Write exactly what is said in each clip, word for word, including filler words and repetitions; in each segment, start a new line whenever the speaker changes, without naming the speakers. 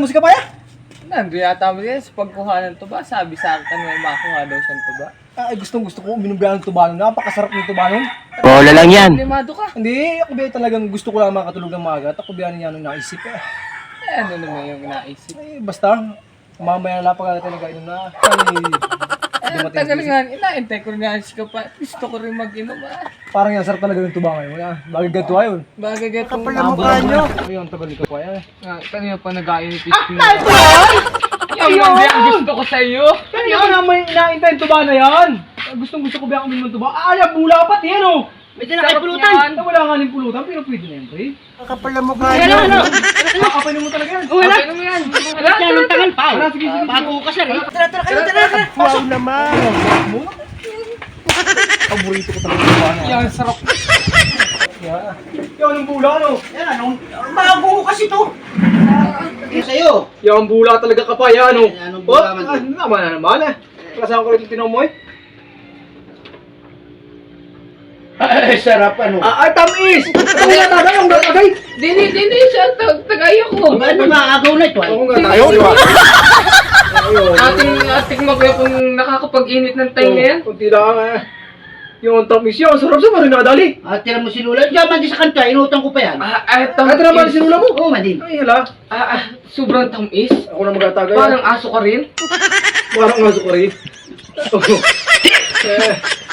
mo si Kapaya?
Nandun yata mo yan sa pagkuhanan to ba? Sabi sa akin may makuha daw siyang to ba?
Ay, gustong gusto ko uminom ng tubanon. Napakasarap ng tubanon.
Bola lang yan.
Limado ka.
Hindi, ako ba talagang gusto ko lang makatulog ng maaga. At ako ba niya nung naisip eh.
Eh, ano naman yung naisip?
Ay, basta, mamaya na napakala talaga inom na. Ay,
Eh, tagal nga, inaintay ko rin nga si Kapaya. Gusto ko rin mag-inom ah.
parang yan, sarap talaga ng tuba ngayon. Ah, bagay ganito ayun.
Bagay gatong
Kapal na mukha nyo. Ayun, ang tagal ni Kapaya eh.
Ah, kanina pa nag-ainit isip na. Yung hindi ang gusto ko sa iyo.
Kaya naman inaintay yung tuba na yan. Gustong gusto ko ba ang uminom ng tuba? Ah, yan, bula pat yan oh.
May tinakay pulutan.
Ah, wala nga rin pulutan, pero pwede na yan, pre.
Kapal na mukha
Ano,
nyo.
ano?
Nakakapain mo talaga yan.
Wala. Ano mo yan? Wala.
Yan ang tagal pa.
Tara, sige, sige.
Bago ko kasi rin.
Tara, tara, tara, tara.
Wow naman.
Paborito ko talaga yung tuba na yan.
Yan, sarap.
Yan. Yan ang bula, no?
Yan anong, bago ko kasi to. Yung sa'yo.
Yan ang bula talaga Kapaya, no?
Yan ang bula man.
Ah, naman na naman eh. Kasama ko rin yung tinamoy.
Ay, sarap ano.
Ah, ay, tamis! Ang nga tagay, ang nga tagay!
Dini, dini, siya tag tagay ako.
Ba, ano maagaw na ito ay?
Ang nga tayo, di ba? Ayun.
Ating ating magwe kung nakakapag-init ng tayo na yan.
Kunti lang eh. Yung tamis yan, ang sarap sa marinadali.
Ah, tira mo sinula. Diyan man di sa kanta, inutang ko pa yan.
Ah, ay,
Kahit naman sinula mo.
Oo, madin.
Ay, hala.
Ah, ah, sobrang tamis.
Ako na magtatagay.
Parang aso ka rin.
Parang aso ko rin. Oo. Eh.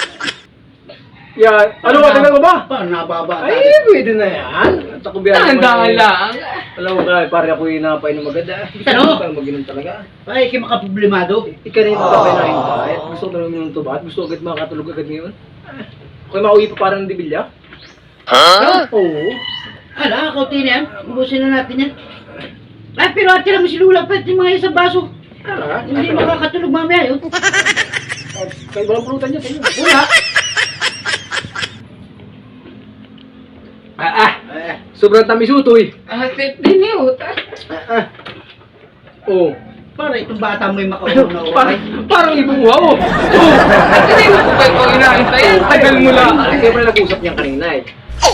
Yan. Ano ba? Tagal ko ba?
Paano nababa?
Ay, pwede na yan. At ako biyan
Dahan-dahan lang.
Alam mo ka, pare ako yung napay ng maganda.
Ano?
Parang mag-inom talaga.
Ay, kayo makaproblemado.
Ika na yung magkapay na yung kahit. Gusto ko talaga yung tubat. Gusto ko agad makatulog agad ngayon. Ako'y mauwi pa parang dibilya.
Ha?
Oo.
Ala, kauti na yan. Ubusin na natin yan. Ay, pero tira mo sinula pa yung mga isang baso.
Tara.
Hindi makakatulog mamaya yun.
Kaya walang pulutan dyan.
Wala.
Ah, ah.
Eh,
Sobrang tamis utoy.
Ah, dini, uta.
Ah, ah. Oo.
para itong bata mo yung makaunaw na
Parang,
oray.
parang ibuwa oh.
Hindi mo ko kayo kung inaantay yan. Tagal mo lang.
Siyempre nag-usap niya kanina eh.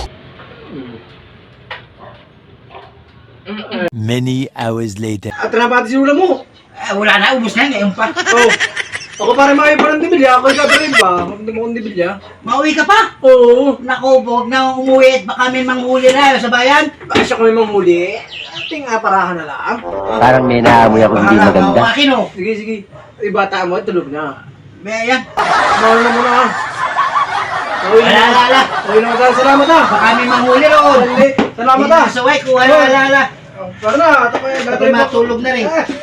Many hours later.
At na pati sinula mo.
Eh, wala na, ubus na, ngayon pa.
Oh. Ako parang makain pa ng dibilya. Ako ikaw rin ba? Hindi mo akong dibilya.
Mauwi ka pa?
Oo.
Naku, huwag na umuwi at baka may manghuli na sa bayan.
Bakit siya kami manghuli? Ating nga parahan na lang.
Parang may naamoy ako hindi
Bahala ka,
maganda.
akin oh.
Sige, sige. Ay, bata mo, tulog na.
May yan.
Mahal na muna ah. Uy,
Wala, wala, wala.
uy naman tayo. Salamat ah.
Baka may manghuli roon.
Sali. Salamat ah.
Sa way ko, wala, wala, wala.
Para na. Ito kayo.
Baka matulog na rin.
Eh.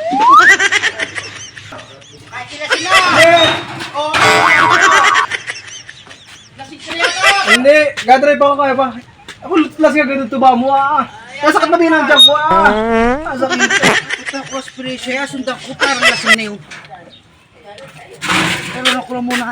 Ay, sila sila!
Eh.
Lasing sila yata!
Hindi. Gadrive ako kaya pa. Ako lasing agad yung tuba mo ah. Nasakit na din ang tiyan ko ah. Nasakit.
Ito, cosplay siya. Sundan ko parang lasing na yun. Pero ako lang muna ha.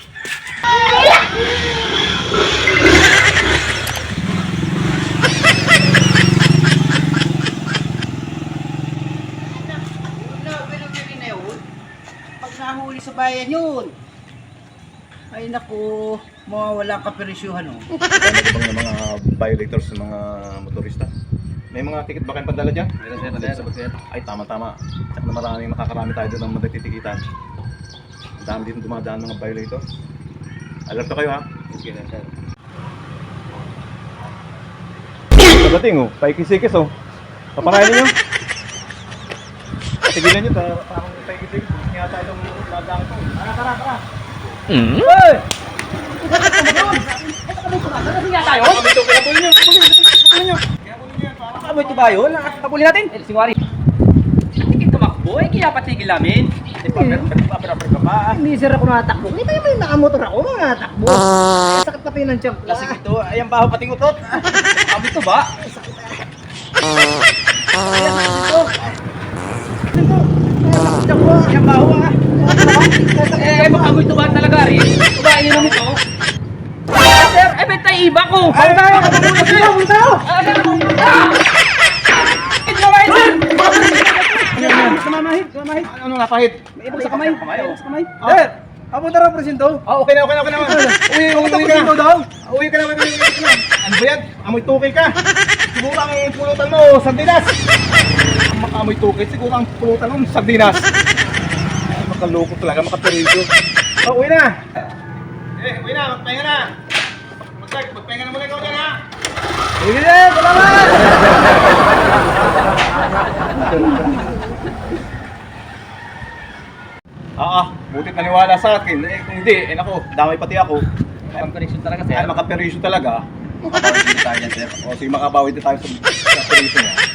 Pag nahuli sa bayan yun. Ay naku, mawawala ang kaperisyuhan oh.
Ano bang yung mga violators ng mga motorista? May mga ticket ba kayong pandala dyan? Meron sir, meron sir. Ay, tama-tama. Tsaka na maraming makakarami tayo doon ng matititikitan. Ang dami dito dumadaan mga violators. Alerto kayo ha? Sige na sir. Pagdating oh, paikisikis oh. Papakainin nyo. Tigilan nyo, ta- parang paikisikis. Hindi nga tayo itong dadaan ito. Tara, tara, tara.
Hmm?
Hey!
Kami ito, kaya po nyo. Kaya po nyo.
Ano ito ba yun? Nakakapuli natin.
Eh, singwari. Hindi tumakbo, eh, kaya patigil namin.
Hindi pa, pero ka pa.
Hindi sir ako nakatakbo. Hindi tayo may nakamotor ako nakatakbo. Sakit na pinang tiyan ko.
Lasing ito, ayan baho pating utot. Kami ito ba? Ayan baho ah. Eh, baka mo ito ba talaga rin? Ito ba, inom ito? Ah, sir, eh, may tayo iba ko.
Ay, tayo! Kapag tayo! Kapag tayo!
Ah, sir. Ah! Ito ba, eh, sir?
Kamamahid! Kamamahid!
Ano nga pahit?
May ibang sa kamay.
Kamay, oh.
Sa kamay. Sir! Papunta raw presinto.
Ah, okay na, okay na, okay na. Uy, uy,
Papunta
uy ka
presinto
na.
daw.
Uy ka na, uy, uy, uy ka na. Ano ba yan? Amoy tukil ka. Siguro ang pulutan mo, sandinas. amoy tukit. Siguro ang pulutan ng sardinas. Ay, makaloko talaga, makaperito. Oh, uwi na! Eh, uwi na, magpahinga na! Mag- magpahinga na muna ikaw dyan, ha?
Sige na, salamat!
Ah, ah, butit naniwala sa akin. Eh, kung hindi, eh nako, damay pati ako.
Pang-correction talaga, sir.
Ay, makaperisyo talaga. Makabawi din tayo dyan, sir. O, sige, makabawi din tayo sa, sa perisyo niya.